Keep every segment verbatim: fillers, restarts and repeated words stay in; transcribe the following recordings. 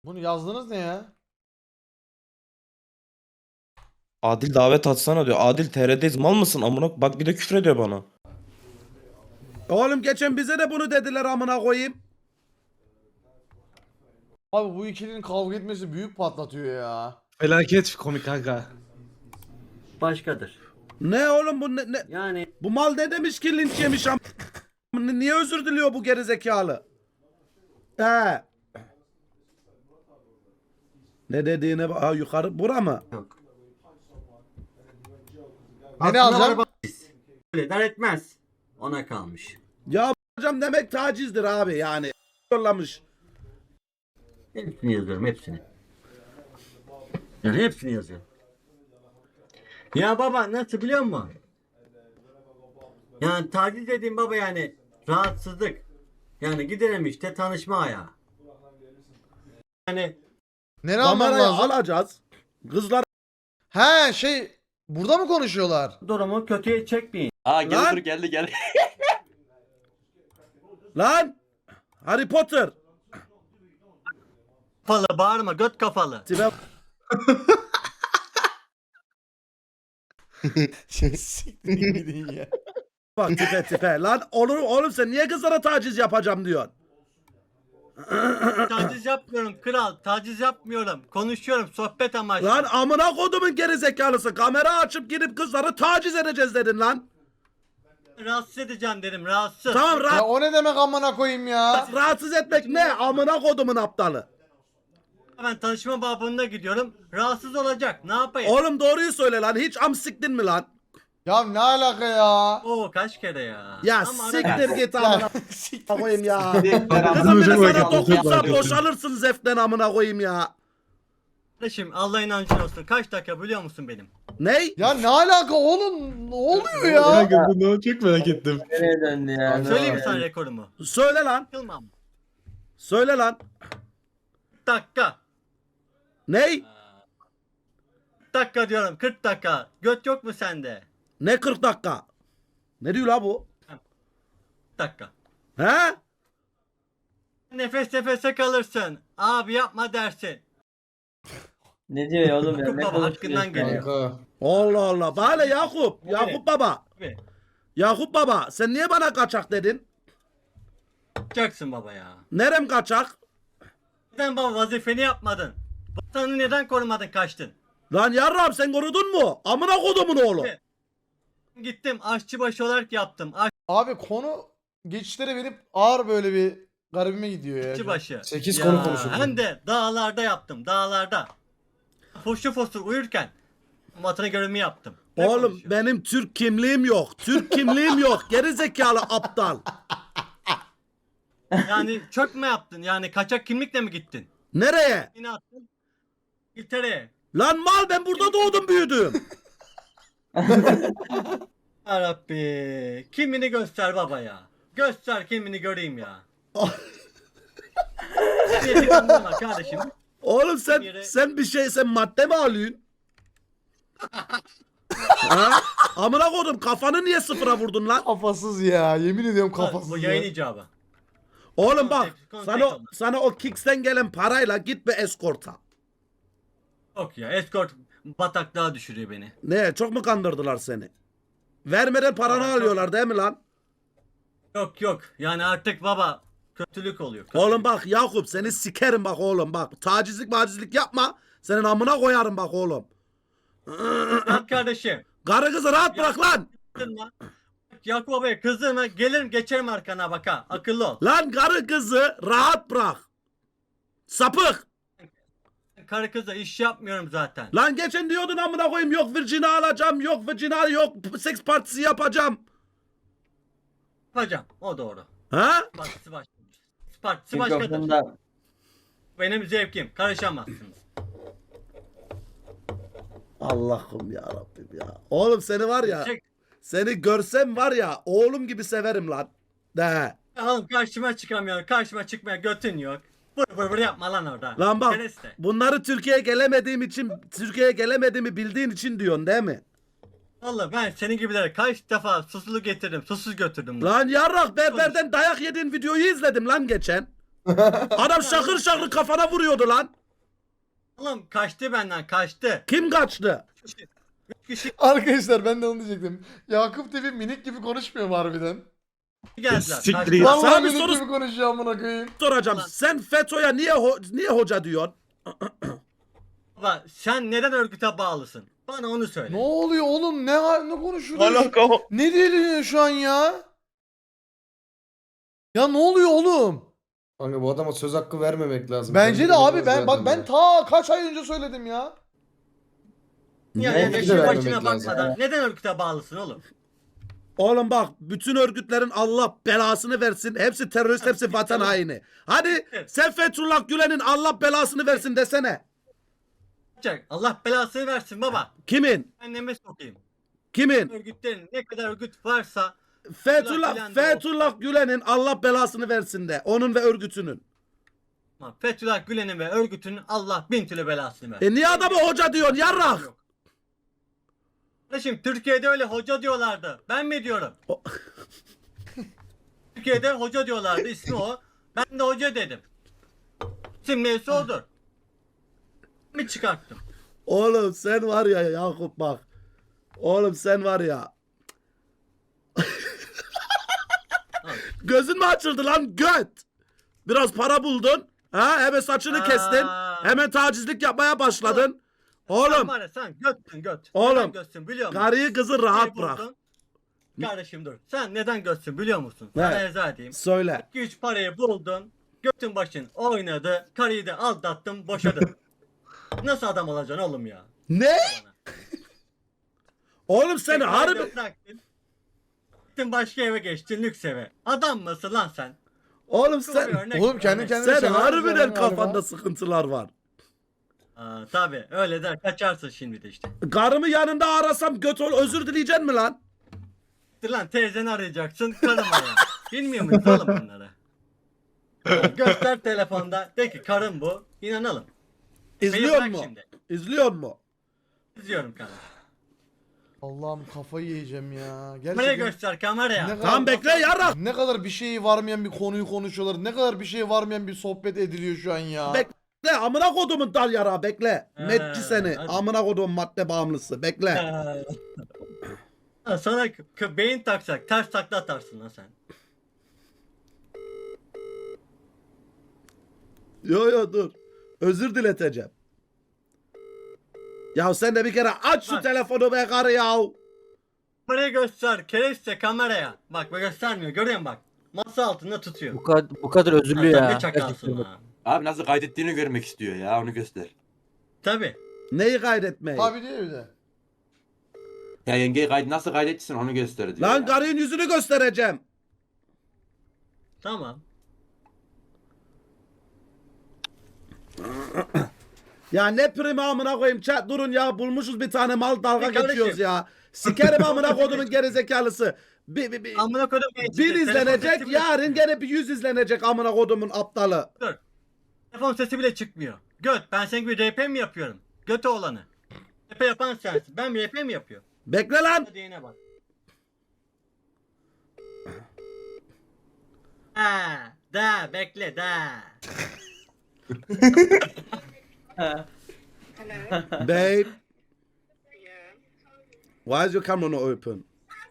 Bunu yazdınız ne ya? Adil davet atsana diyor. Adil T R'deyiz mal mısın amına? Bak bir de küfür ediyor bana. Oğlum geçen bize de bunu dediler amına koyayım. Abi bu ikilinin kavga etmesi büyük patlatıyor ya. Felaket komik kanka. Başkadır. Ne oğlum bu ne, ne- Yani bu mal ne demiş ki linç yemiş am niye özür diliyor bu gerizekalı? He. Ne dediğine bak. Ha, yukarı bura mı? yok. Ne, ne alacağım? Öyle dar etmez. Ona kalmış. Ya hocam demek tacizdir abi yani. Yollamış. Hepsini yazıyorum hepsini. Yani hepsini yazıyorum. Ya baba nasıl biliyor musun? Yani taciz dediğim baba yani rahatsızlık. Yani gidelim işte tanışma ayağı. Yani Ne almam Kamerayı lazım? alacağız. Kızlar He şey burada mı konuşuyorlar? durumu kötüye çekmeyin. Aa gel Lan! dur geldi gel. lan Harry Potter. Kafalı bağırma göt kafalı. Tipe Şey siktirin gidin ya. bak tipe tipe. Lan olur oğlum sen niye kızlara taciz yapacağım diyorsun? Taciz yapmıyorum kral. Taciz yapmıyorum. Konuşuyorum sohbet amaçlı. Lan amına kodumun gerizekalısı. Kamera açıp girip kızları taciz edeceğiz dedin lan. Rahatsız edeceğim dedim rahatsız. Tamam Ya rahat, o ne demek amına koyayım ya? rahatsız etmek ne? Amına kodumun aptalı. Ben tanışma babında gidiyorum. Rahatsız olacak. Ne yapayım? Oğlum doğruyu söyle lan. Hiç am siktin mi lan? Ya ne alaka ya? Oo kaç kere ya. Ya Ama ara- siktir git amına Ya siktir. koyayım ya. Kızım Kızım bir de çok sana vakit, dokunsa çok vakit. boşalırsın zeften amına koyayım ya. Kardeşim Allah inancın olsun. Kaç dakika biliyor musun benim? Ney? Ya ne alaka oğlum? Ne oluyor ya? Kanka bunu çok merak ettim. Nereye döndü ya? Söyleyeyim mi sana rekorumu? Söyle lan. Yılmam. Söyle lan. Dakika. Ney? Dakika diyorum. kırk dakika. Göt yok mu sende? Ne kırk dakika? Ne diyor la bu? Dakika. He? Nefes nefese kalırsın. Abi yapma dersin. Ne diyor ya oğlum ya? Yakup Ne baba konuşuyorsun hakkından ya? geliyor. Kanka. Allah Allah. Bana Yakup. Yakup baba. Abi. Yakup baba. Sen niye bana kaçak dedin? Yapacaksın baba ya. Nerem kaçak? Neden baba vazifeni yapmadın? Vatanı neden korumadın kaçtın? Lan yarrab sen korudun mu? Amına kodumun oğlu. Evet. Gittim aşçıbaşı olarak yaptım. Abi konu geçişlere verip ağır böyle bir garibime gidiyor ya. Aşçıbaşı. sekiz Ya, konu konuşuyoruz. Hem de dağlarda yaptım dağlarda. Foşu fosur uyurken vatanı görevimi yaptım. Ne Oğlum konuşuyorsun? benim Türk kimliğim yok. Türk kimliğim yok. Geri zekalı aptal. Yani çök mü yaptın? Yani kaçak kimlikle mi gittin? Nereye? Yine attın. İngiltere'ye. Lan mal ben burada doğdum büyüdüm. Yarabbi. Kimini göster baba ya. Göster kimini göreyim ya. Beni kandırma kardeşim. Oğlum sen Yere- sen bir şey sen madde mi alıyorsun? ha? Amına kodum kafanı niye sıfıra vurdun lan? Kafasız ya. Yemin ediyorum Bu kafasız yayın ya. icabı. Oğlum bak Kontek- sana kontek sana o Kicks'ten gelen parayla git bir eskorta. Yok ya escort bataklığa düşürüyor beni. Ne çok mu kandırdılar seni? Vermeden paranı Aa, çok- alıyorlar değil mi lan? Yok yok yani artık baba kötülük oluyor. Kötülük. Oğlum bak Yakup seni sikerim bak oğlum bak. Tacizlik macizlik yapma. Senin amına koyarım bak oğlum. Bak kardeşim. Karı kızı rahat bırak lan. Kızdırma. Yakup babaya kızdırma. Gelirim geçerim arkana bak ha. Akıllı ol. Lan karı kızı rahat bırak. Sapık. Karı kızla iş yapmıyorum zaten. Lan geçen diyordun amına koyayım yok Virgin'i alacağım yok Virgin'i yok seks partisi yapacağım. Yapacağım. O doğru. Ha? Partisi başka. Partisi başkadır. Mikrofonda Benim zevkim. Karışamazsınız. Allah'ım ya Rabbim ya. Oğlum seni var ya Çek. seni görsem var ya oğlum gibi severim lan. De. Oğlum karşıma çıkamıyor. Karşıma çıkmaya götün yok. Vır vır vır yapma lan orada. Lan bak Kereste. bunları Türkiye'ye gelemediğim için Türkiye'ye gelemediğimi bildiğin için diyorsun değil mi? Vallahi ben senin gibilere kaç defa susuzlu getirdim. Susuz götürdüm. Lan. Lan yarrak berberden dayak yediğin videoyu izledim lan geçen. Adam şakır şakır kafana vuruyordu lan. Oğlum kaçtı benden kaçtı. Kim kaçtı? Üç kişi Arkadaşlar ben de onu diyecektim. Yakup Tepe minik gibi konuşmuyor mu harbiden? geldiler. Siktir kaçtı. it. Vallahi Sana bir minik soru- gibi konuşuyor amına koyayım. Soracağım. Ulan. Sen FETÖ'ye niye ho- niye hoca diyorsun? Baba sen neden örgüte bağlısın? Bana onu söyle. Ne oluyor oğlum? Ne ne konuşuyorsun? Alaka o. Ne deniyor şu an ya? Ya ne oluyor oğlum? Kanka bu adama söz hakkı vermemek lazım. Bence de Kendini abi bilmez ben bak zaten ben ya. ta kaç ay önce söyledim ya. Ya Ne ya oldu yaşın da başına vermemek lazım. bakmadan neden örgüte bağlısın oğlum? Oğlum bak bütün örgütlerin Allah belasını versin. Hepsi terörist, hepsi vatan haini. Hadi sen Fethullah Gülen'in Allah belasını versin desene. Çak, Allah belasını versin baba. Kimin? Anneme sokayım. Kimin? Örgütlerin ne kadar örgüt varsa Fethullah, Gülen de Fethullah Gülen'in Allah belasını versin de. Onun ve örgütünün. ama Fethullah Gülen'in ve örgütünün Allah bin türlü belasını versin. E niye adamı hoca diyorsun yarrak? Yok. Kardeşim Türkiye'de öyle hoca diyorlardı. Ben mi diyorum? O- Türkiye'de hoca diyorlardı ismi o. Ben de hoca dedim. İsim neyse odur. Mi çıkarttım? Oğlum sen var ya Yakup bak. Oğlum sen var ya. Gözün mü açıldı lan göt? Biraz para buldun. Ha hemen saçını Aa. kestin. Hemen tacizlik yapmaya başladın. Sen Oğlum var ya sen götsün göt. Oğlum, Neden götsün biliyor musun? karıyı kızı rahat Beni bırak. buldun. Kardeşim dur. Sen neden götsün biliyor musun? Ne? Sana izah edeyim. Söyle. iki üç parayı buldun. Götün başın oynadı. Karıyı da aldattın boşadın. Nasıl adam olacaksın oğlum ya? Ne? Oğlum sen Tekrar harbi... da bıraktın. Gittin başka eve geçtin lüks eve. Adam mısın lan sen? Oğlum Şuna bir sen... örnek Oğlum kendi örnek. kendine Sen sever harbiden misin kafanda galiba? sıkıntılar var. Aa, tabii öyle der kaçarsın şimdi de işte. Karımı yanında arasam göt ol özür dileyeceksin mi lan? Dur lan teyzeni arayacaksın karım arayan. Bilmiyor muyuz oğlum bunları? Ya, göster telefonda de ki karım bu. İnanalım. Beni İzliyor bırak mu? şimdi. İzliyor mu? İzliyorum kardeşim. Allah'ım kafayı yiyeceğim ya. Kameraya Gerçekten göster kameraya. ne Tamam bekle yarrak. ne kadar bir şeyi varmayan bir konuyu konuşuyorlar. Ne kadar bir şey varmayan bir sohbet ediliyor şu an ya. Bekle amına kodumun dal yara bekle. He, Metçi seni. hadi. Amına kodumun madde bağımlısı. Bekle. Ha, sana k- beyin taksak ters takla atarsın lan sen. Yo yo dur. Özür dileteceğim. Ya sen de bir kere aç şu Bak. telefonu be karı ya. Kameraya göster kereste kameraya. Bak bak göstermiyor görüyor musun bak. Masa altında tutuyor. Bu kadar, bu kadar özürlü Ha, ya. tabii çakalsın Gerçekten. ha. Abi nasıl kaydettiğini görmek istiyor ya, onu göster. Tabii. Neyi kaydetmeyi? Abi diyor bir de. Ya yengeyi kaydı nasıl kaydettiysen onu göster diyor. Lan ya. karının yüzünü göstereceğim. Tamam. Ya ne primi amına koyayım chat durun ya bulmuşuz bir tane mal dalga Bir kardeşim. geçiyoruz ya. Sikerim amına kodumun gerizekalısı. Bir, bir, bir, Amına kodum. bir izlenecek yarın gene bir yüz izlenecek amına kodumun aptalı. Telefon sesi bile çıkmıyor. Göt ben senin gibi R P mi yapıyorum? Göt oğlanı. R P yapan sensin. Ben R P mi yapıyorum? Bekle lan. Hadi yine bak. Ha, da bekle da. Babe. Why is your camera not open?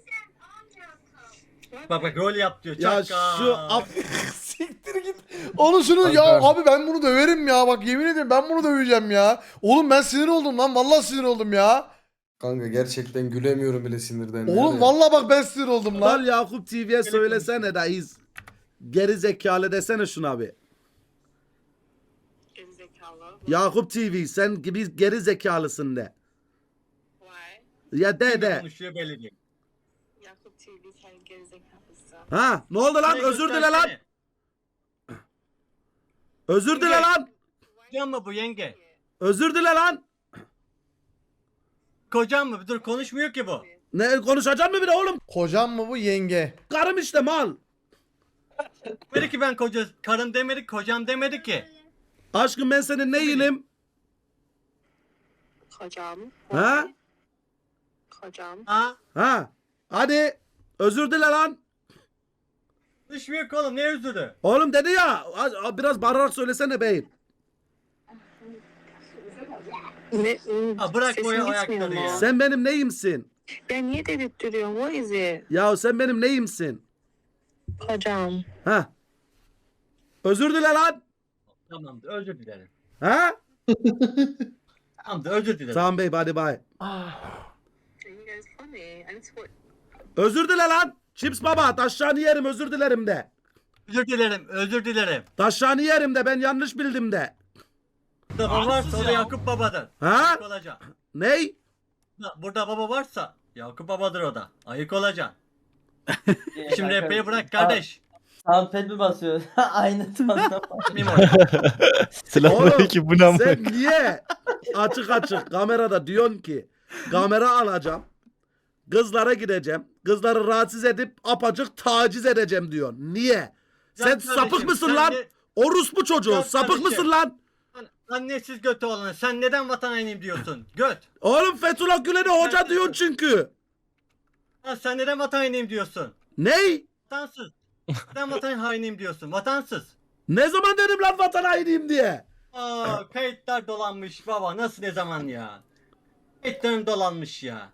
Bak bak rol yap diyor. Ya Çakal. şu ap... Siktir git. Onu şunu ya abi ben bunu döverim ya. Bak yemin ederim ben bunu döveceğim ya. Oğlum ben sinir oldum lan. Vallahi sinir oldum ya. Kanka gerçekten gülemiyorum bile sinirden. Oğlum Yani. vallahi bak ben sinir oldum Lan lan. Yakup T V'ye söylesene de iz. Geri zekalı desene şuna bir. Gerizekalı. Yakup T V sen gibi geri zekalısın de. Why? Ya de Kim de. konuşuyor belli değil. Yakup T V sen gerizekalısın. Ha ne oldu lan Burayı özür dile lan. göstersene. Özür dile Yenge. lan. Kocan mı bu yenge? Özür dile lan. Kocan mı? Dur konuşmuyor ki bu. Ne konuşacağım mı bir de oğlum? Kocam mı bu yenge? Karım işte mal. Demedi ki ben koca karım demedi kocam demedi ki. Aşkım ben senin neyinim? Kocam. Ha? Kocam. Ha? Ha? Hadi özür dile lan. Konuşmuyor ki oğlum, ne özürü? Oğlum dedi ya a- a- biraz bağırarak söylesene beyim. Ne? Ha, bırak Sesin bu gitmiyor ayakları mu? ya. Sen benim neyimsin? Ya niye dedirtiyorsun? What is it? Ya sen benim neyimsin? Hocam. Ha? Özür dile lan. Tamamdır, özür dilerim. Ha? Tamamdır, özür dilerim. Tamam bey hadi bay. You guys funny. I need to put... Özür dile lan. Chips baba taşlarını yerim özür dilerim de. Özür dilerim, özür dilerim. Taşlarını yerim de ben yanlış bildim de. Burada baba varsa o da Yakup babadır. Ha? Ayık olacaksın. Ney? Burada- Burada baba varsa Yakup babadır o da. Ayık olacaksın. Ee, Şimdi kanka, epey bırak kardeş. Soundpad mi basıyor? Aynı tonda. Mim orada. Selamünaleyküm bu ne Sen niye açık açık kamerada diyorsun ki kamera alacağım. Kızlara gideceğim. Kızları rahatsız edip apacık taciz edeceğim diyorsun. Niye? Sen Can sapık kardeşim, mısın sen lan? de- Orospu çocuğu. Can Sapık kardeşim. mısın lan? Lan annesiz götü olanı, sen neden vatan hainiyim diyorsun? Göt. Oğlum Fethullah Gülen'e hoca Neredesin? diyorsun çünkü. Lan sen neden vatan hainiyim diyorsun? Ney? Vatansız. Neden vatan hainiyim diyorsun? Vatansız. Ne zaman dedim lan vatan hainiyim diye? Aa, kayıtlar dolanmış baba. Nasıl, ne zaman ya? Kayıtların dolanmış ya.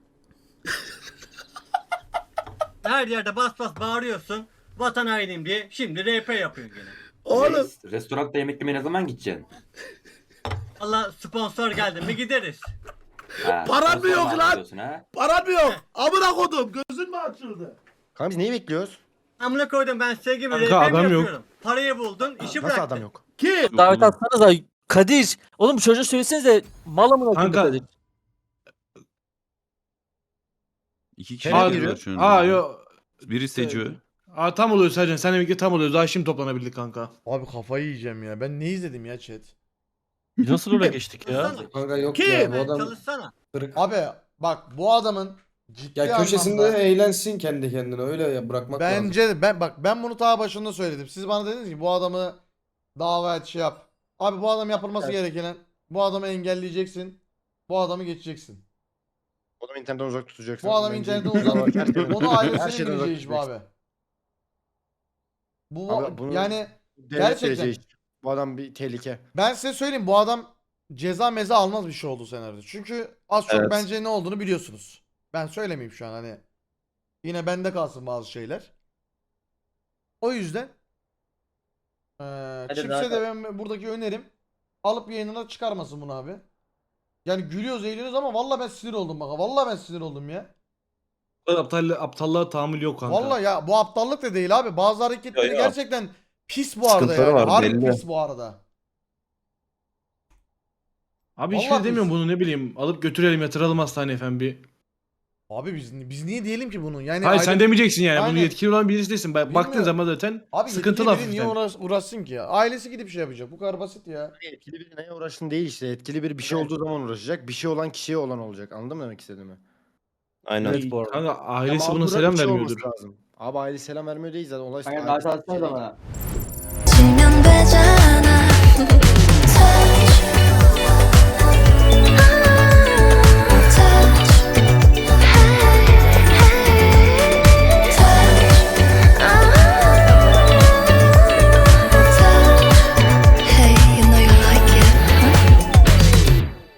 Her yerde bas bas bağırıyorsun. Vatan hainiyim diye. Şimdi R P yapıyorsun gene. Oğlum Reis, restoranda yemek yemeye ne zaman gideceksin? Allah sponsor geldi mi gideriz. Ha, Paran mı sponsor yok mu lan? arıyorsun ha? paran mı yok? Amına kodum gözün mü açıldı? Kanka biz neyi bekliyoruz? Amına koydum, ben size gibi R P Kanka, mi adam yok. yapıyorum? Parayı buldun, işi Nasıl bıraktın. adam yok? Kim? Davet atsanıza. Kadir. Oğlum bu çocuğa söylesenize. Mal amına koyayım Kanka. Kadir. İki kişi giriyor şu anda. Aa yo. Biri Seco. Aa tam oluyor Sercan. Sen birlikte tam oluyor. Daha şimdi toplanabildik kanka. Abi kafayı yiyeceğim ya. Ben ne izledim ya chat? Nasıl oraya geçtik ya? Çalışsana. Kanka yok Kim? ya bu Ben adam çalışsana. kırık. Abi bak bu adamın ciddi Ya köşesinde anlamda- eğlensin kendi kendine öyle ya bırakmak lazım. Bence ben bak ben bunu ta başında söyledim. Siz bana dediniz ki bu adamı dava et şey yap. Abi bu adam yapılması gereken bu adamı engelleyeceksin. Bu adamı geçeceksin. O zaman internetten uzak tutacaksın. Bu adamı Bence- internetten uzak Her şeyden- Onu her ailesinin şeyden uzak bileceği iş bu tutacaksın. abi. Bu Abi bunu- yani Devlet gerçekten- vereceği iş. Bu adam bir tehlike. ben size söyleyeyim bu adam ceza meza almaz bir şey oldu senaryoda. Çünkü az çok Evet. bence ne olduğunu biliyorsunuz. Ben söylemeyeyim şu an hani. Yine bende kalsın bazı şeyler. O yüzden eee Hadi Chips'e daha- de ben buradaki önerim alıp yayınına çıkarmasın bunu abi. Yani gülüyoruz eğleniyoruz ama vallahi ben sinir oldum bak. Vallahi ben sinir oldum ya. Bu kadar aptal, aptallığa tahammül yok kanka. Vallahi ya bu aptallık da değil abi. Bazı hareketleri Ya, ya. gerçekten pis bu arada Sıkıntıları yani. var, Harbi belli. pis bu arada. Abi hiç Vallahi şey demiyorum biz- bunu ne bileyim. Alıp götürelim yatıralım hastaneye efendim bir. Abi biz biz niye diyelim ki bunu? Yani Hayır aile- sen demeyeceksin yani. Aynen. Bunu yetkili olan birisi değilsin. Bak, baktığın Bilmiyorum. zaman zaten Abi sıkıntılı yetkili biri niye hafiften. uğraş, uğraşsın ki ya? Ailesi gidip şey yapacak. Bu kadar basit ya. Etkili biri neye uğraştın değil işte. Etkili biri bir şey olduğu zaman uğraşacak. Bir şey olan kişiye olan olacak. Anladın mı demek istediğimi? Aynen. Evet bu arada. Kanka ailesi Ya buna mağdura selam bir şey vermiyordur. olması lazım. Abi aile selam vermiyor değil zaten. Olay Kanka ailesi- davet atsanıza bana. 치면 되잖아.